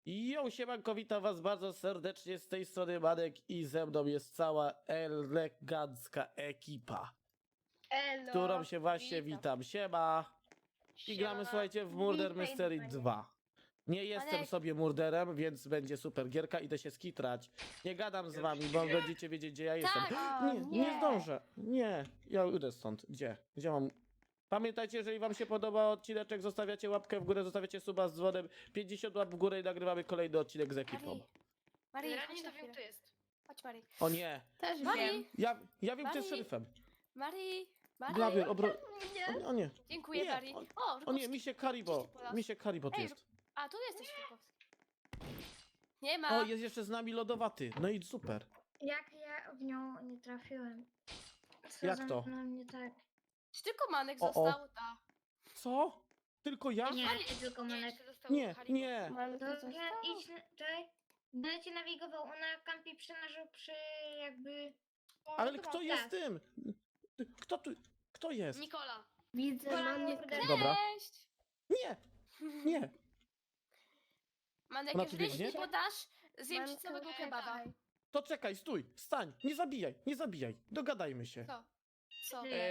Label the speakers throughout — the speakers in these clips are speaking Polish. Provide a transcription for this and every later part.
Speaker 1: Jo, siemanko, witam was bardzo serdecznie, z tej strony Manek i ze mną jest cała elegancka ekipa,
Speaker 2: Elo,
Speaker 1: którą się właśnie witam. Siema! I gramy, słuchajcie, w Murder
Speaker 2: Witaj,
Speaker 1: Mystery
Speaker 2: panie.
Speaker 1: 2. Nie jestem
Speaker 3: Manek.
Speaker 1: sobie murderem, więc będzie super gierka, idę się skitrać. Nie gadam z wami, bo będziecie wiedzieć, gdzie ja jestem.
Speaker 3: Tak.
Speaker 2: O,
Speaker 1: Nie zdążę. Nie, ja idę stąd. Gdzie mam... Pamiętajcie, jeżeli wam się podoba odcineczek, zostawiacie łapkę w górę, zostawiacie suba z dzwonem, 50 łap w górę i nagrywamy kolejny odcinek z ekipą.
Speaker 3: Marii,
Speaker 2: Generalnie
Speaker 3: chodź
Speaker 2: to
Speaker 3: na
Speaker 2: wiem,
Speaker 3: chwilę.
Speaker 2: kto jest.
Speaker 3: Chodź, Marii.
Speaker 1: O nie,
Speaker 2: Też
Speaker 3: Marii,
Speaker 1: ja wiem, kto jest
Speaker 3: Marii.
Speaker 1: szeryfem.
Speaker 3: Marii, Marii.
Speaker 1: Glawier,
Speaker 2: Nie.
Speaker 1: o nie,
Speaker 3: Dziękuję,
Speaker 1: Nie,
Speaker 3: Marii.
Speaker 1: o-
Speaker 3: O,
Speaker 1: o nie,
Speaker 3: Rukowski.
Speaker 1: Misiek Haribo,
Speaker 3: Gdzie ty polasz?
Speaker 1: Misiek Haribo tu
Speaker 3: Ej,
Speaker 1: jest.
Speaker 3: A, tu jesteś, Rukowski. Nie ma.
Speaker 1: O, jest jeszcze z nami lodowaty, no i super.
Speaker 2: Jak ja w nią nie trafiłem? Co
Speaker 1: Jak
Speaker 2: za
Speaker 1: to?
Speaker 2: mną nie tak?
Speaker 3: Czy tylko Manek
Speaker 1: O, o.
Speaker 3: został? Ta.
Speaker 1: Co? Tylko ja?
Speaker 2: Nie, nie tylko Monek.
Speaker 3: jeszcze został
Speaker 1: Nie,
Speaker 3: Haribo.
Speaker 1: nie.
Speaker 2: To ja idź, czekaj. Będę cię nawigował, ona kampi przy jakby...
Speaker 1: Ale kto jest tym? Kto jest?
Speaker 3: Nikola.
Speaker 2: Widzę,
Speaker 1: Dobra.
Speaker 3: Cześć.
Speaker 1: Nie, nie.
Speaker 3: Manek,
Speaker 1: Ona tu
Speaker 3: jeżeli
Speaker 1: biegnie?
Speaker 3: nie podasz, zjem ci całego kebaba.
Speaker 1: To czekaj, stój, stań, nie zabijaj, dogadajmy się.
Speaker 3: Co? Co?
Speaker 2: Nie.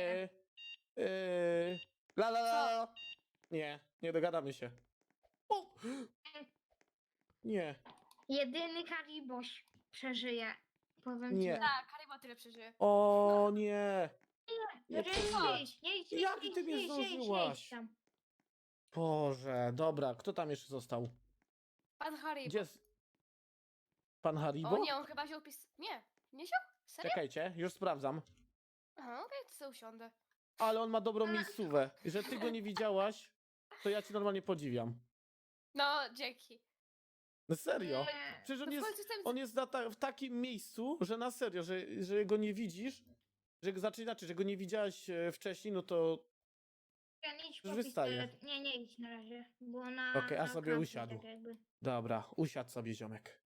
Speaker 1: La la la la. Nie dogadamy się. O! Nie,
Speaker 2: Jedyny Hariboś przeżyje. Powiem
Speaker 1: Nie.
Speaker 2: ci.
Speaker 3: Tak, Haribo tyle przeżyje.
Speaker 1: o nie. Nie
Speaker 2: Jak
Speaker 1: ty mnie zdążyłaś? Boże, dobra, kto tam jeszcze został?
Speaker 3: Pan Haribo.
Speaker 1: Gdzie jest? Pan Haribo?
Speaker 3: O nie, on chyba wziął Nie, nie wziął? Serio?
Speaker 1: Czekajcie, już sprawdzam.
Speaker 3: Aha, okej, to sobie usiądę.
Speaker 1: Ale on ma dobrą miejscówę. Że ty go nie widziałaś, to ja ci normalnie podziwiam.
Speaker 3: No, dzięki.
Speaker 1: No serio. Przecież
Speaker 3: No
Speaker 1: on
Speaker 3: w
Speaker 1: jest,
Speaker 3: końcu jestem...
Speaker 1: on jest w takim miejscu, że na serio, że go nie widzisz, znaczy inaczej, że go nie widziałaś wcześniej, no to już wystaje.
Speaker 2: Nie idź na razie, bo ona...
Speaker 1: Okej, a
Speaker 2: na
Speaker 1: sobie
Speaker 2: kampi
Speaker 1: usiadł.
Speaker 2: tak jakby.
Speaker 1: Dobra, usiadł sobie ziomek.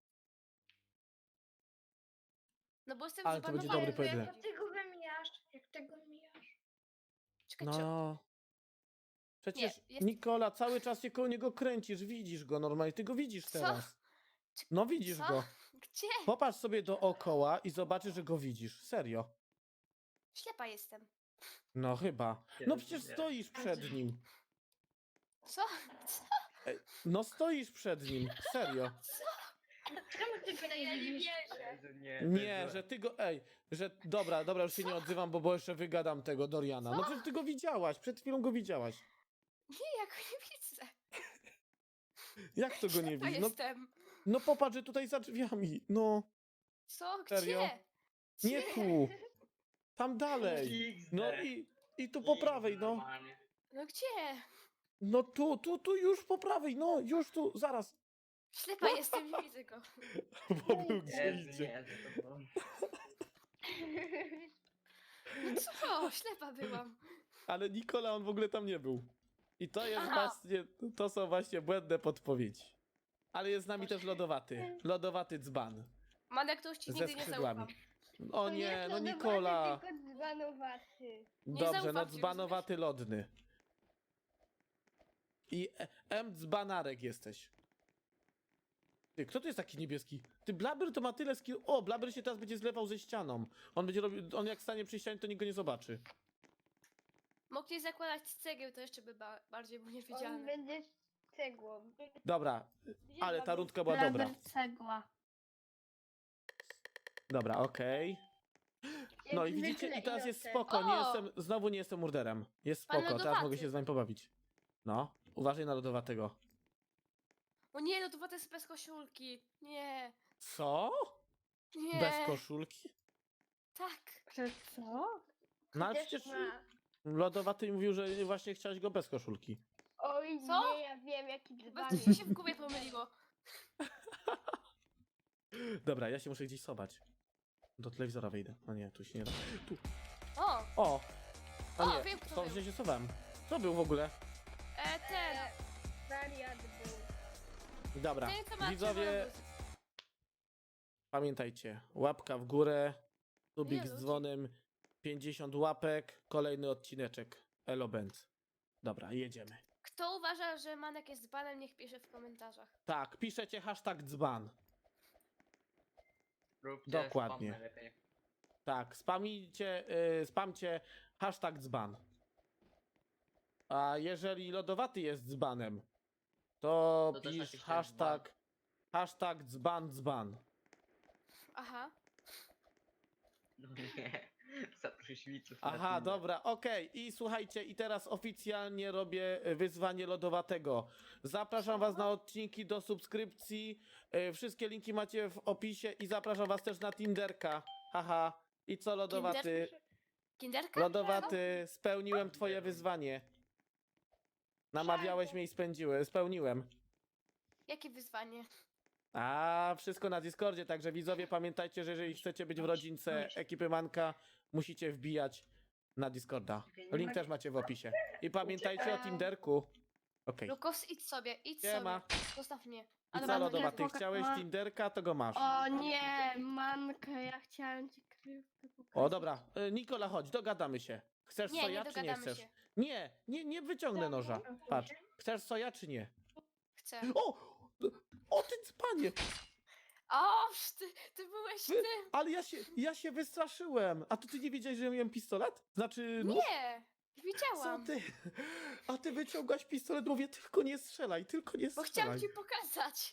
Speaker 3: No bo jestem
Speaker 1: Ale to będzie dobry
Speaker 3: zabanowany.
Speaker 1: pojedynek.
Speaker 2: Jak ty go wymijasz? Jak ty go wymijasz?
Speaker 3: Czekaj, czy...
Speaker 1: No. Przecież
Speaker 3: Nie, jest-
Speaker 1: Nikola, cały czas się koło niego kręcisz, widzisz go normalnie, ty go widzisz
Speaker 3: Co?
Speaker 1: teraz. No widzisz
Speaker 3: Co?
Speaker 1: go.
Speaker 3: Gdzie?
Speaker 1: Popatrz sobie dookoła i zobaczysz, że go widzisz. Serio.
Speaker 3: Ślepa jestem.
Speaker 1: No chyba. No przecież stoisz przed nim.
Speaker 3: Co? Co?
Speaker 1: No stoisz przed nim. Serio.
Speaker 2: Czemu ty go nie widzisz?
Speaker 1: Nie, że ty go. Że. Dobra, już się nie odzywam, bo jeszcze wygadam tego Doriana. No przecież ty go widziałaś, przed chwilą go widziałaś.
Speaker 3: Nie, ja go nie widzę.
Speaker 1: Jak to go nie
Speaker 3: Ślepa
Speaker 1: widzisz? No,
Speaker 3: jestem.
Speaker 1: no popatrz, że tutaj za drzwiami. No,
Speaker 3: Co?
Speaker 1: Serio?
Speaker 3: Gdzie?
Speaker 1: nie
Speaker 3: Gdzie?
Speaker 1: tu. Tam dalej. No i tu po prawej, no.
Speaker 3: No gdzie?
Speaker 1: No tu już po prawej, no, już tu, zaraz.
Speaker 3: Ślepa jestem, nie widzę go.
Speaker 1: Bo był gdzie idzie.
Speaker 3: No co? Ślepa byłam.
Speaker 1: Ale Nikola, on w ogóle tam nie był. I to jest
Speaker 3: Aha.
Speaker 1: właśnie, to są właśnie błędne podpowiedzi. Ale jest z nami też lodowaty. Lodowaty dzban.
Speaker 3: Manek, to już ci
Speaker 1: Ze
Speaker 3: nigdy nie
Speaker 1: skrzydłami.
Speaker 3: zaufam.
Speaker 1: O nie, no Nikola.
Speaker 2: Tylko dzbanowaty.
Speaker 3: Nie
Speaker 1: Dobrze, no
Speaker 3: zaufam ci,
Speaker 1: dzbanowaty lodny. I dzbanarek jesteś. Ty, kto tu jest taki niebieski? Ty, Blabber to ma tyle skill. O, Blabber się teraz będzie zlewał ze ścianą. On będzie robił, on jak stanie przy ścianie, to nikt go nie zobaczy.
Speaker 3: Mogli zakładać z cegieł, to jeszcze by bardziej był
Speaker 4: On
Speaker 3: niewidzialny.
Speaker 4: będzie cegłą.
Speaker 1: Dobra, ale ta rundka była dobra.
Speaker 2: Cegła.
Speaker 1: Dobra, okej. No i widzicie, i teraz jest spoko, znowu nie jestem murderem. Jest
Speaker 3: Pan
Speaker 1: spoko, teraz
Speaker 3: lodowaty.
Speaker 1: mogę się z wami pobawić. No, uważaj na lodowatego.
Speaker 3: O nie, no to była bez koszulki. Nie.
Speaker 1: Co?
Speaker 3: Nie.
Speaker 1: Bez koszulki?
Speaker 3: Tak.
Speaker 2: Że co?
Speaker 1: No ale przecież lodowaty mówił, że właśnie chciałeś go bez koszulki.
Speaker 4: Oj,
Speaker 3: Co?
Speaker 4: nie, ja wiem jaki dzban
Speaker 3: Bez mi się w głowie pomyliło.
Speaker 1: Dobra, ja się muszę gdzieś sobać. Do telewizora wejdę. No nie, tu się nie da. Tu.
Speaker 3: O,
Speaker 1: O! A
Speaker 3: O,
Speaker 1: nie,
Speaker 3: wiem, kto
Speaker 1: to
Speaker 3: był.
Speaker 1: gdzie się sowałem. Co był w ogóle?
Speaker 3: ten.
Speaker 4: wariat był.
Speaker 1: Dobra,
Speaker 3: Ten, co ma
Speaker 1: widzowie,
Speaker 3: czerwoną
Speaker 1: pamiętajcie, łapka w górę, subik
Speaker 3: Nie,
Speaker 1: z
Speaker 3: ludzie.
Speaker 1: dzwonem, 50 łapek, kolejny odcineczek. Elo Benz. Dobra, jedziemy.
Speaker 3: Kto uważa, że Manek jest banem, niech pisze w komentarzach.
Speaker 1: Tak, piszecie hashtag dzban.
Speaker 5: Róbcie
Speaker 1: Dokładnie.
Speaker 5: spam najlepiej.
Speaker 1: Tak, spamcie hashtag dzban. A jeżeli lodowaty jest dzbanem, to
Speaker 5: To też
Speaker 1: pisz
Speaker 5: napiszcie
Speaker 1: hashtag dzban.
Speaker 3: Aha.
Speaker 5: No nie, za pryszwiców.
Speaker 1: Aha, dobra, okej. I słuchajcie, i teraz oficjalnie robię wyzwanie lodowatego. Zapraszam was na odcinki do subskrypcji. Wszystkie linki macie w opisie i zapraszam was też na Tinderka. Haha. I co, lodowaty?
Speaker 3: Kinderka?
Speaker 1: Lodowaty, spełniłem twoje wyzwanie. Namawiałeś mnie i spełniłem.
Speaker 3: Jakie wyzwanie?
Speaker 1: A, wszystko na Discordzie, także widzowie pamiętajcie, że jeżeli chcecie być w rodzince ekipy Manka, musicie wbijać na Discorda. Link też macie w opisie. I pamiętajcie o Tinderku. Okej.
Speaker 3: Lukos, idź sobie,
Speaker 1: Siema.
Speaker 3: sobie. Zostaw mnie.
Speaker 1: I
Speaker 3: Ale
Speaker 1: co,
Speaker 3: mam
Speaker 1: lodowaty,
Speaker 3: telefon.
Speaker 1: chciałeś Tinderka, to go masz.
Speaker 4: O nie, Manka, ja chciałem ci kryjówkę pokazać.
Speaker 1: O, dobra. Nikola, chodź, dogadamy się. Chcesz
Speaker 3: Nie,
Speaker 1: soja,
Speaker 3: nie
Speaker 1: czy nie
Speaker 3: dogadamy
Speaker 1: chcesz?
Speaker 3: się.
Speaker 1: Nie wyciągnę noża. Patrz. Chcesz soja, czy nie?
Speaker 3: Chcę.
Speaker 1: O, ty panie!
Speaker 3: O, ty byłeś ty.
Speaker 1: Ale ja się wystraszyłem. A to ty nie wiedziałeś, że miałem pistolet? Znaczy, nóż?
Speaker 3: Nie,
Speaker 1: Co
Speaker 3: widziałam.
Speaker 1: ty? A ty wyciągasz pistolet, mówię, tylko nie strzelaj, tylko nie
Speaker 3: Bo
Speaker 1: strzelaj.
Speaker 3: chciałam ci pokazać.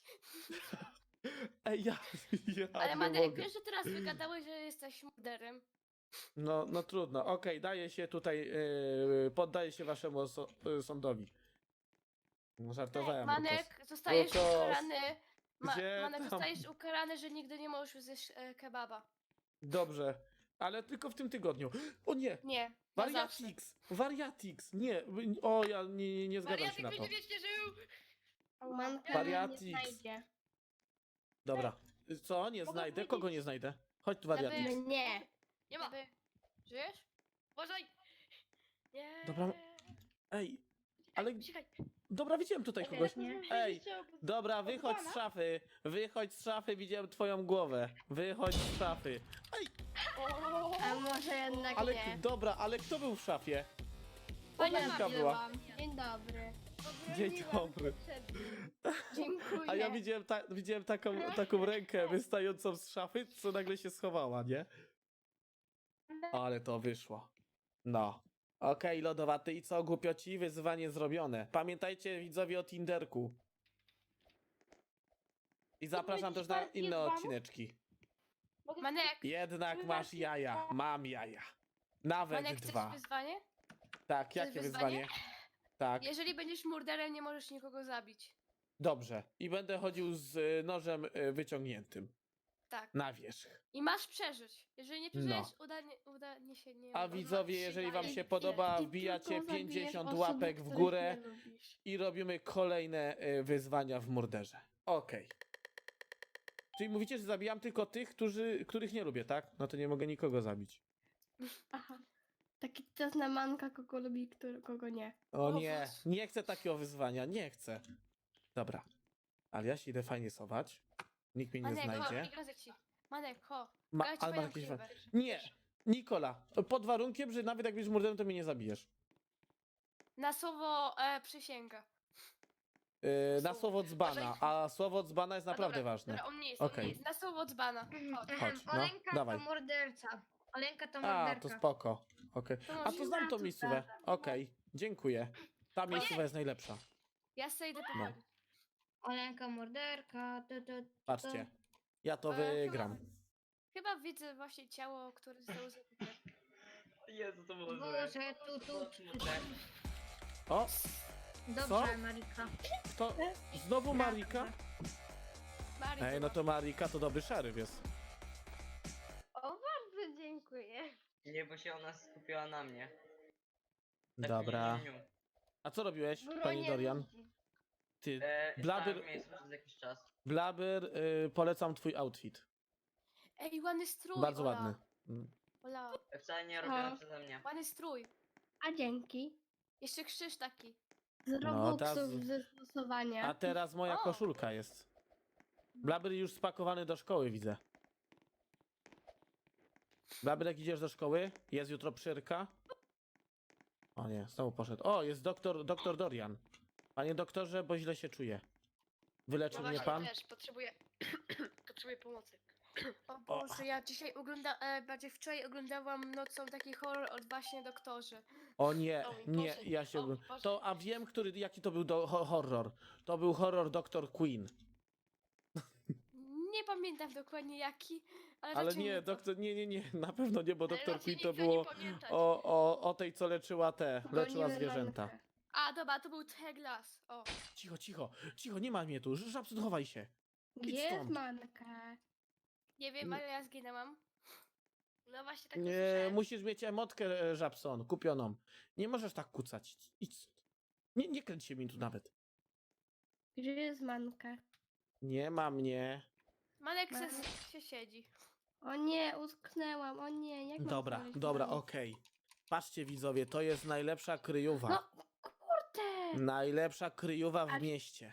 Speaker 1: Ej, ja
Speaker 3: Ale
Speaker 1: nie
Speaker 3: Manek,
Speaker 1: mogę.
Speaker 3: wiesz, że teraz wygadałeś, że jesteś morderem.
Speaker 1: No trudno, okej, daję się tutaj, poddaję się waszemu sądowi. No, żartowałem.
Speaker 3: Manek, zostajesz
Speaker 1: Lukos.
Speaker 3: ukarany.
Speaker 1: Gdzie
Speaker 3: Manek,
Speaker 1: tam?
Speaker 3: zostajesz ukarany, że nigdy nie możesz zjeść kebaba.
Speaker 1: Dobrze, ale tylko w tym tygodniu. O nie!
Speaker 3: Nie, na zawsze.
Speaker 1: Wariatix, nie, o ja nie zgadzam się na to.
Speaker 3: wiecznie żył.
Speaker 4: Manka
Speaker 1: Wariatix.
Speaker 4: nie znajdzie.
Speaker 1: Dobra, co, nie
Speaker 4: Mogę
Speaker 1: znajdę? Kogo nie znajdę? Chodź tu, wariatix.
Speaker 3: Lewy.
Speaker 4: Nie.
Speaker 3: Nie ma. Żyjesz? Uważaj. Nie.
Speaker 1: Dobra. Ej, ale,
Speaker 3: Cichaj.
Speaker 1: dobra, widziałem tutaj kogoś.
Speaker 2: Nie.
Speaker 1: Ej, dobra, wychodź z szafy, widziałem twoją głowę. Wychodź z szafy. Ej,
Speaker 4: A może jednak
Speaker 1: ale,
Speaker 4: nie.
Speaker 1: dobra, ale kto był w szafie?
Speaker 3: Pani
Speaker 1: Olenka była.
Speaker 4: Dzień dobry.
Speaker 1: Dzień dobry.
Speaker 4: Dziękuję.
Speaker 1: A ja widziałem taką rękę wystającą z szafy, co nagle się schowała, nie? Ale to wyszło. No. Okej, lodowaty, i co, głupioci? Wyzwanie zrobione. Pamiętajcie, widzowie, o Tinderku. I zapraszam też na inne odcineczki.
Speaker 3: Manek,
Speaker 1: Jednak masz jaja. Mam jaja. Nawet
Speaker 3: Manek, chcesz
Speaker 1: 2.
Speaker 3: wyzwanie?
Speaker 1: Tak,
Speaker 3: chcesz
Speaker 1: jakie
Speaker 3: wyzwanie?
Speaker 1: wyzwanie? Tak,
Speaker 3: Jeżeli będziesz morderem, nie możesz nikogo zabić.
Speaker 1: dobrze. I będę chodził z nożem wyciągniętym
Speaker 3: Tak.
Speaker 1: na wierzch.
Speaker 3: I masz przeżyć. Jeżeli nie
Speaker 1: No.
Speaker 3: przeżyjesz, udanie się nie
Speaker 1: A
Speaker 3: uda.
Speaker 1: widzowie, jeżeli wam się podoba,
Speaker 4: I
Speaker 1: wbijacie
Speaker 4: tylko zabijesz
Speaker 1: 50
Speaker 4: osoby,
Speaker 1: łapek w
Speaker 4: których
Speaker 1: górę
Speaker 4: nie lubisz.
Speaker 1: i robimy kolejne wyzwania w murderze. Okej. Czyli mówicie, że zabijam tylko tych, których nie lubię, tak? No to nie mogę nikogo zabić.
Speaker 4: Aha. Taki czas na Manka, kogo lubi, kogo nie.
Speaker 1: O
Speaker 3: O
Speaker 1: nie,
Speaker 3: Boże.
Speaker 1: nie chcę takiego wyzwania, nie chcę. Dobra. Ale ja się idę fajnie schować. Nikt mnie nie
Speaker 3: Manek,
Speaker 1: znajdzie.
Speaker 3: ho, igrę ci. Manek, ho.
Speaker 1: Ma,
Speaker 3: Grać
Speaker 1: ale ma
Speaker 3: twoją
Speaker 1: jakieś...
Speaker 3: krywę.
Speaker 1: Nie! Nikola, pod warunkiem, że nawet jak będziesz morderem, to mnie nie zabijesz.
Speaker 3: Na słowo przysięga.
Speaker 1: Na słowo dzbana, a słowo dzbana jest naprawdę
Speaker 3: dobra,
Speaker 1: ważne.
Speaker 3: Dobra, on nie jest,
Speaker 1: Okej.
Speaker 3: on nie jest. Na słowo dzbana. Chodź.
Speaker 1: Chodź, no,
Speaker 2: Olenka
Speaker 1: dawaj.
Speaker 2: to morderca. Olenka to
Speaker 1: A,
Speaker 2: morderka.
Speaker 1: to spoko. Okej.
Speaker 3: To
Speaker 1: A
Speaker 3: może
Speaker 1: to znam tą miejscówę. Okej, dziękuję. Ta miejscowa jest najlepsza.
Speaker 3: Ja sobie idę
Speaker 1: No.
Speaker 3: powoli.
Speaker 2: Olenka morderka.
Speaker 1: Patrzcie. Ja to
Speaker 3: Ale
Speaker 1: wygram.
Speaker 3: Chyba widzę właśnie ciało, które zostało zabite.
Speaker 5: Jezu, to było złe.
Speaker 2: Boże, tu.
Speaker 1: O,
Speaker 2: Dobrze, Marika.
Speaker 1: to znowu Marika?
Speaker 3: Bardzo
Speaker 1: Ej, no to Marika to dobry szeryf jest.
Speaker 4: O, bardzo dziękuję.
Speaker 5: Nie, bo się ona skupiła na mnie. Tak
Speaker 1: Dobra.
Speaker 5: niu, niu, niu.
Speaker 1: A co robiłeś,
Speaker 4: Bronię
Speaker 1: pani Dorian?
Speaker 4: ludzi.
Speaker 1: Ty,
Speaker 5: Blabyr...
Speaker 1: Blabyr,
Speaker 5: miejscu przez jakiś czas.
Speaker 1: Blabyr, polecam twój outfit.
Speaker 3: Ej, ładny strój,
Speaker 1: Bardzo
Speaker 3: Ola.
Speaker 1: ładny. Mm.
Speaker 3: Ola,
Speaker 5: Wcale nie robione przeze mnie.
Speaker 3: ładny strój.
Speaker 4: A dzięki.
Speaker 3: Jeszcze krzyż taki.
Speaker 4: Z
Speaker 1: No,
Speaker 4: Robuxów
Speaker 1: teraz-
Speaker 4: ze stosowania.
Speaker 1: A teraz moja
Speaker 3: O!
Speaker 1: koszulka jest. Blabyr już spakowany do szkoły, widzę. Blabyr, jak idziesz do szkoły? Jest jutro przyrka? O nie, znowu poszedł. O, jest doktor Dorian. Panie doktorze, bo źle się czuję. Wyleczy
Speaker 3: No
Speaker 1: mnie
Speaker 3: właśnie,
Speaker 1: pan?
Speaker 3: też potrzebuję, potrzebuję pomocy. O
Speaker 1: O.
Speaker 3: Boże, ja dzisiaj bardziej wczoraj oglądałam nocą taki horror od właśnie doktorzy.
Speaker 1: O nie,
Speaker 3: O mój
Speaker 1: nie,
Speaker 3: Boże,
Speaker 1: ja się...
Speaker 3: o mój Boże.
Speaker 1: To, a wiem, jaki to był horror. To był horror Dr. Queen.
Speaker 3: Nie pamiętam dokładnie jaki, ale
Speaker 1: Ale
Speaker 3: raczej
Speaker 1: nie,
Speaker 3: to.
Speaker 1: nie, na pewno nie, bo
Speaker 3: Ale
Speaker 1: Dr.
Speaker 3: raczej
Speaker 1: Queen
Speaker 3: nie
Speaker 1: to
Speaker 3: chcę nie
Speaker 1: było
Speaker 3: pamiętać.
Speaker 1: o tej, co leczyła leczyła
Speaker 4: Gonimy
Speaker 1: zwierzęta.
Speaker 4: mankę.
Speaker 3: A, dobra, to był Teglas. O,
Speaker 1: Cicho, nie ma mnie tu, Żabson, chowaj się.
Speaker 4: Gdzie
Speaker 1: Idź
Speaker 4: jest
Speaker 1: stąd.
Speaker 4: manka?
Speaker 3: nie wiem, ale ja zginęłam. No właśnie tak
Speaker 1: Nie,
Speaker 3: usłyszałem.
Speaker 1: musisz mieć emotkę, Żabson, kupioną. Nie możesz tak kucać. Idź stąd. Nie kręć się mi tu nawet.
Speaker 4: Gdzie jest manka?
Speaker 1: Nie ma mnie.
Speaker 3: Manek
Speaker 4: Ma-
Speaker 3: się siedzi.
Speaker 4: O nie, utknęłam, o nie, jak mam
Speaker 1: Dobra,
Speaker 4: znaleźć
Speaker 1: dobra,
Speaker 4: mankę?
Speaker 1: okej. Patrzcie widzowie, to jest najlepsza kryjówa.
Speaker 4: No, kurde!
Speaker 1: Najlepsza kryjówa w
Speaker 4: Ale-
Speaker 1: mieście.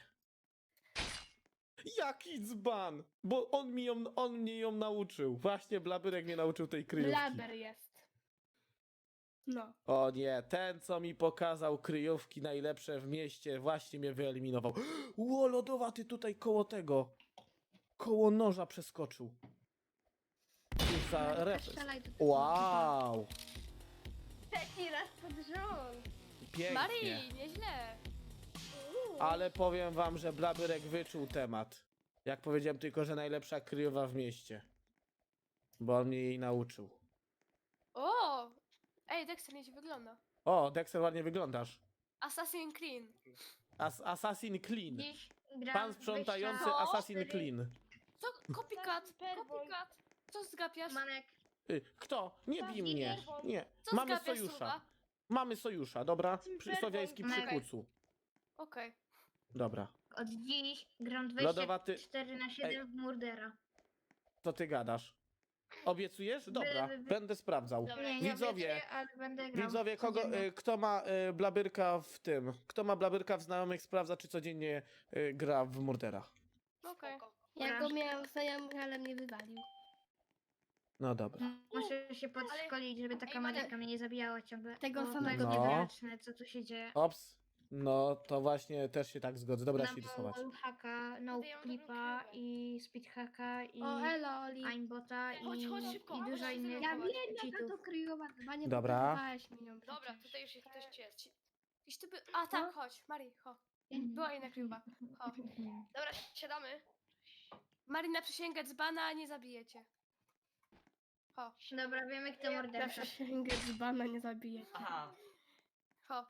Speaker 1: Jaki dzban! Bo on mnie ją nauczył. Właśnie Blabyrek mnie nauczył tej kryjówki.
Speaker 4: Blaber jest. No.
Speaker 1: O nie, ten co mi pokazał kryjówki najlepsze w mieście właśnie mnie wyeliminował. Ło, lodowaty tutaj koło tego. Koło noża przeskoczył. Już za
Speaker 4: Manka,
Speaker 1: refres.
Speaker 4: strzelaj do tego.
Speaker 1: Wow,
Speaker 4: Trzeci raz pod rząd.
Speaker 1: pięknie.
Speaker 3: Marii, nieźle.
Speaker 1: Ale powiem wam, że Blabyrek wyczuł temat. Jak powiedziałem tylko, że najlepsza kryjowa w mieście. Bo on mnie jej nauczył.
Speaker 3: O! Ej, Dexter nieźle wygląda.
Speaker 1: O, Dexter, ładnie wyglądasz.
Speaker 3: Assassin Clean.
Speaker 1: Assassin Clean.
Speaker 2: Dziś gram
Speaker 1: Pan
Speaker 2: w
Speaker 1: sprzątający
Speaker 2: wyjścia
Speaker 1: Assassin
Speaker 2: 4.
Speaker 1: Clean.
Speaker 3: Co? Copycat, copycat. Co zgapiasz?
Speaker 2: Manek,
Speaker 1: Kto? Nie bij mnie. Nie.
Speaker 3: Co
Speaker 1: Mamy
Speaker 3: zgapiasz,
Speaker 1: sojusza.
Speaker 3: Suwa?
Speaker 1: Mamy sojusza, dobra? Słowiański przy
Speaker 2: Okej.
Speaker 1: kucu.
Speaker 3: Okej.
Speaker 1: Dobra.
Speaker 2: od dziś gram
Speaker 1: Lodowaty-
Speaker 2: 24/7 w Murdera.
Speaker 1: Co ty gadasz? Obiecujesz? Dobra, będę sprawdzał.
Speaker 3: Dobra.
Speaker 2: Nie,
Speaker 1: Widzowie,
Speaker 2: obiecuję, ale będę grał
Speaker 1: Widzowie,
Speaker 2: codziennie.
Speaker 1: kto ma Blabyrka w tym? Kto ma Blabyrka w znajomych, sprawdza, czy codziennie gra w Murdera.
Speaker 3: Okej.
Speaker 4: Ja go miałam znajomych, ale mnie wywalił.
Speaker 1: No dobra.
Speaker 2: Muszę się podszkolić, żeby taka
Speaker 3: Ej, Manek.
Speaker 2: Maryka mnie nie zabijała ciągle.
Speaker 4: Tego
Speaker 2: Bo
Speaker 4: samego
Speaker 2: tego
Speaker 1: No.
Speaker 2: niewyjaśnię, co tu się dzieje.
Speaker 1: Ops. No, to właśnie też się tak zgodzę. Dobra, się
Speaker 2: Mam
Speaker 1: rysować.
Speaker 2: wallhacka, no
Speaker 3: Tutaj mam dobrą
Speaker 2: clipa
Speaker 3: kryjówkę.
Speaker 2: i speedhacka i
Speaker 4: O, elo, Oli.
Speaker 2: aimbota
Speaker 3: Chodź szybko,
Speaker 2: i
Speaker 3: chodź
Speaker 2: dużo
Speaker 3: się
Speaker 2: innych
Speaker 4: Ja
Speaker 3: zdenerwować.
Speaker 4: wiem, jaka to
Speaker 2: cheatów.
Speaker 4: kryjowa, chyba nie
Speaker 1: Dobra.
Speaker 4: pokazywałeś mi ją
Speaker 3: Dobra,
Speaker 4: przecież.
Speaker 3: tutaj już ktoś jest. Iś tu by... A tak, chodź, Marii, chodź. Była jedna kryjówka. Chodź. Dobra, siadamy. Marii na przysięgę dzbana, a nie zabijecie. Chodź.
Speaker 2: Dobra, wiemy kto
Speaker 4: Ja
Speaker 2: morderca.
Speaker 4: przysięgę dzbana nie zabiję.
Speaker 5: Aha,
Speaker 3: Ho.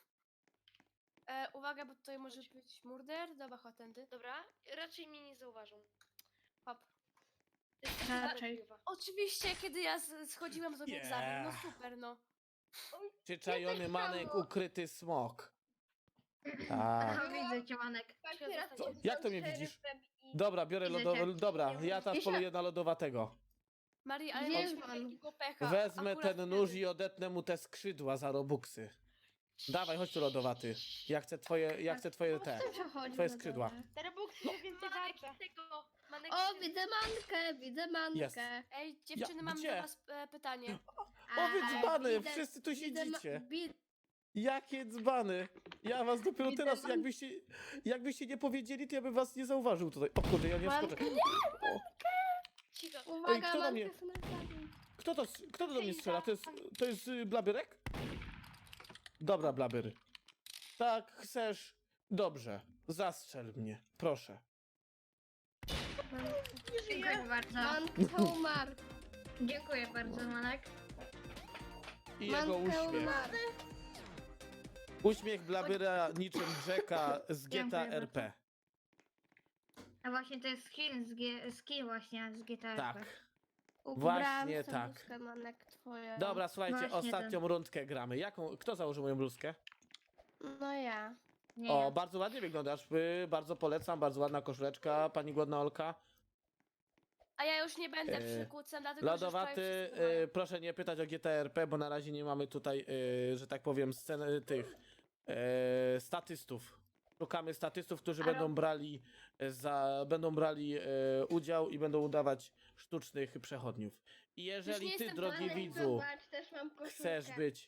Speaker 3: Uwaga, bo tutaj może być murder. Dobra, chodź tędy. Dobra, raczej mnie nie zauważą. Hop.
Speaker 2: Raczej.
Speaker 3: Oczywiście, kiedy ja schodziłam z egzamin, no super, no.
Speaker 1: Przyczajony manek, ukryty smok. Tak.
Speaker 2: Aha, widzę cię, Manek.
Speaker 1: Co? Jak to mnie widzisz? Dobra, biorę
Speaker 2: Widzę
Speaker 1: lodowa...
Speaker 2: cię.
Speaker 1: Dobra, ja teraz
Speaker 4: Wiecie-
Speaker 1: poluję na lodowatego.
Speaker 3: Marii, ale
Speaker 4: Wiesz,
Speaker 3: mieliśmy
Speaker 4: mam.
Speaker 3: takiego pecha.
Speaker 1: Wezmę
Speaker 3: akurat
Speaker 1: ten nóż
Speaker 3: wtedy.
Speaker 1: i odetnę mu te skrzydła za robuxy. Dawaj, chodź tu lodowaty. Ja chcę twoje te.
Speaker 4: Co przechodzi
Speaker 1: Twoje
Speaker 4: na
Speaker 1: skrzydła.
Speaker 4: dole?
Speaker 3: Te robuxy więcej warte. Manek,
Speaker 4: O, widzę mankę, widzę mankę.
Speaker 1: Jest.
Speaker 3: Ej, dziewczyny, mam
Speaker 1: gdzie?
Speaker 3: do was pytanie.
Speaker 1: O, wy
Speaker 4: A,
Speaker 1: dzbany,
Speaker 4: widzę-
Speaker 1: wszyscy tu
Speaker 4: widzę ma-
Speaker 1: siedzicie.
Speaker 4: wi-
Speaker 1: Jakie dzbany! Ja was dopiero
Speaker 4: Widzę
Speaker 1: teraz,
Speaker 4: man-
Speaker 1: jakbyście nie powiedzieli, to ja bym was nie zauważył tutaj. O kurde, ja nie
Speaker 4: Mankę
Speaker 1: wskoczę. O,
Speaker 3: Cicho.
Speaker 4: Uwaga,
Speaker 1: kto do
Speaker 4: mankę
Speaker 1: mnie-
Speaker 4: są na zabieg.
Speaker 1: kto to do mnie strzela? To jest Blabyrek? Dobra, Blabyr. Tak, chcesz? Dobrze, zastrzel mnie, proszę.
Speaker 2: Dziękuję bardzo.
Speaker 4: Manka umarł.
Speaker 2: Dziękuję bardzo, Manek.
Speaker 1: I jego
Speaker 4: Manka
Speaker 1: uśmiech.
Speaker 4: umarł.
Speaker 1: Uśmiech Blabyra niczym Jacka z GTA
Speaker 2: Dziękuję
Speaker 1: RP.
Speaker 2: A właśnie to jest skin właśnie z GTA.
Speaker 1: Tak.
Speaker 4: Ubrałam
Speaker 1: Właśnie
Speaker 4: sobie
Speaker 1: tak.
Speaker 4: bluzkę, Manek, twoją.
Speaker 1: Dobra, słuchajcie,
Speaker 2: Właśnie
Speaker 1: ostatnią rundkę gramy. Kto założył moją bluzkę?
Speaker 4: No ja.
Speaker 2: Nie,
Speaker 1: O, bardzo ładnie wyglądasz. Bardzo polecam, bardzo ładna koszuleczka, pani głodna Olka.
Speaker 3: A ja już nie będę
Speaker 1: E,
Speaker 3: przykucem, dlatego że już
Speaker 1: Lodowaty,
Speaker 3: prawie wszyscy mają.
Speaker 1: proszę nie pytać o GTA RP, bo na razie nie mamy tutaj, że tak powiem, sceny tych statystów. Szukamy statystów, którzy
Speaker 2: Ale-
Speaker 1: będą brali udział i będą udawać sztucznych przechodniów. I jeżeli
Speaker 3: nie
Speaker 1: ty,
Speaker 3: jestem
Speaker 1: drogi
Speaker 3: pewna,
Speaker 1: widzu,
Speaker 4: Zobacz, też mam koszulkę.
Speaker 1: chcesz być...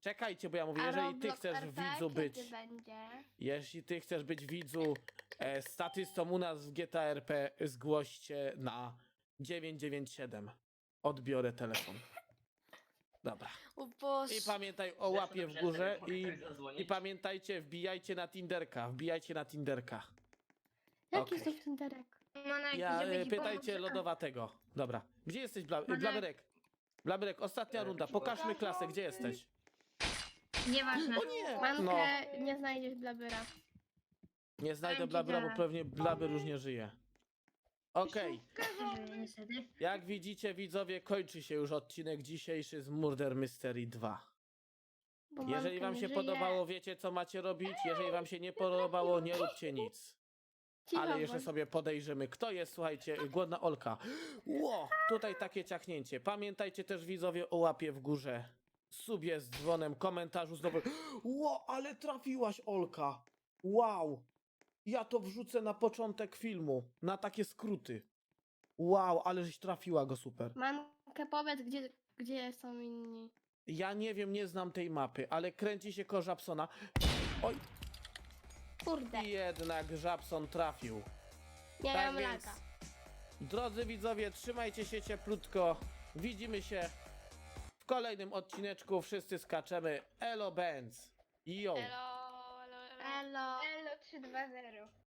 Speaker 1: Czekajcie, bo ja mówię,
Speaker 4: A
Speaker 1: jeżeli ty
Speaker 4: Roblox
Speaker 1: chcesz
Speaker 4: RP
Speaker 1: widzu
Speaker 4: kiedy
Speaker 1: być,
Speaker 4: będzie?
Speaker 1: jeśli ty chcesz być widzu statystą u nas w GTA RP, zgłoście na 997. Odbiorę telefon. Dobra.
Speaker 3: O Boże.
Speaker 1: I pamiętaj o
Speaker 5: Zresztą
Speaker 1: łapie w
Speaker 5: dobrze,
Speaker 1: górze
Speaker 5: mogę
Speaker 1: i
Speaker 5: ktoś zadzwonić?
Speaker 1: pamiętajcie, wbijajcie na Tinderka, wbijajcie na Tinderka.
Speaker 4: Jaki
Speaker 1: Okej.
Speaker 4: jest Tinderek?
Speaker 2: Monarki,
Speaker 1: Ja
Speaker 2: żeby ci
Speaker 1: pytajcie
Speaker 2: pomóc.
Speaker 1: lodowatego. Dobra. Gdzie jesteś,
Speaker 2: Monarch.
Speaker 1: Blaberek? Blaberek, ostatnia runda. Pokażmy klasę, gdzie jesteś?
Speaker 2: Nieważne.
Speaker 1: O nie!
Speaker 4: Mankę nie znajdziesz Blabyra.
Speaker 1: Nie znajdę
Speaker 2: Powiem ci
Speaker 1: Blabera, bo
Speaker 2: tak.
Speaker 1: pewnie Blaber już nie żyje. Okej.
Speaker 2: Że niestety.
Speaker 1: Jak widzicie, widzowie, kończy się już odcinek dzisiejszy z Murder Mystery 2.
Speaker 4: Bo
Speaker 1: Jeżeli
Speaker 4: Manka
Speaker 1: wam
Speaker 4: nie
Speaker 1: się
Speaker 4: żyje.
Speaker 1: podobało, wiecie co macie robić. Jeżeli wam się nie podobało, nie róbcie nic.
Speaker 4: Cicho
Speaker 1: Ale jeszcze
Speaker 4: bądź.
Speaker 1: sobie podejrzymy, kto jest, słuchajcie, głodna Olka. Ło, tutaj takie ciachnięcie. Pamiętajcie też, widzowie, o łapie w górze. Subie z dzwonem, komentarzu znowu. Ło, ale trafiłaś, Olka. Wow. Ja to wrzucę na początek filmu, na takie skróty. Wow, ale żeś trafiła go super.
Speaker 4: Mankę powiedz, gdzie są inni.
Speaker 1: Ja nie wiem, nie znam tej mapy, ale kręci się koło Żabsona. Oj,
Speaker 4: Kurde,
Speaker 1: i jednak Żabson trafił.
Speaker 4: nie
Speaker 1: Tak
Speaker 4: mam
Speaker 1: więc,
Speaker 4: laga.
Speaker 1: drodzy widzowie, trzymajcie się cieplutko. Widzimy się w kolejnym odcineczku. Wszyscy skaczemy. Elo Benz. Yo.
Speaker 3: Elo, elo, elo.
Speaker 4: Elo.
Speaker 2: Elo 320.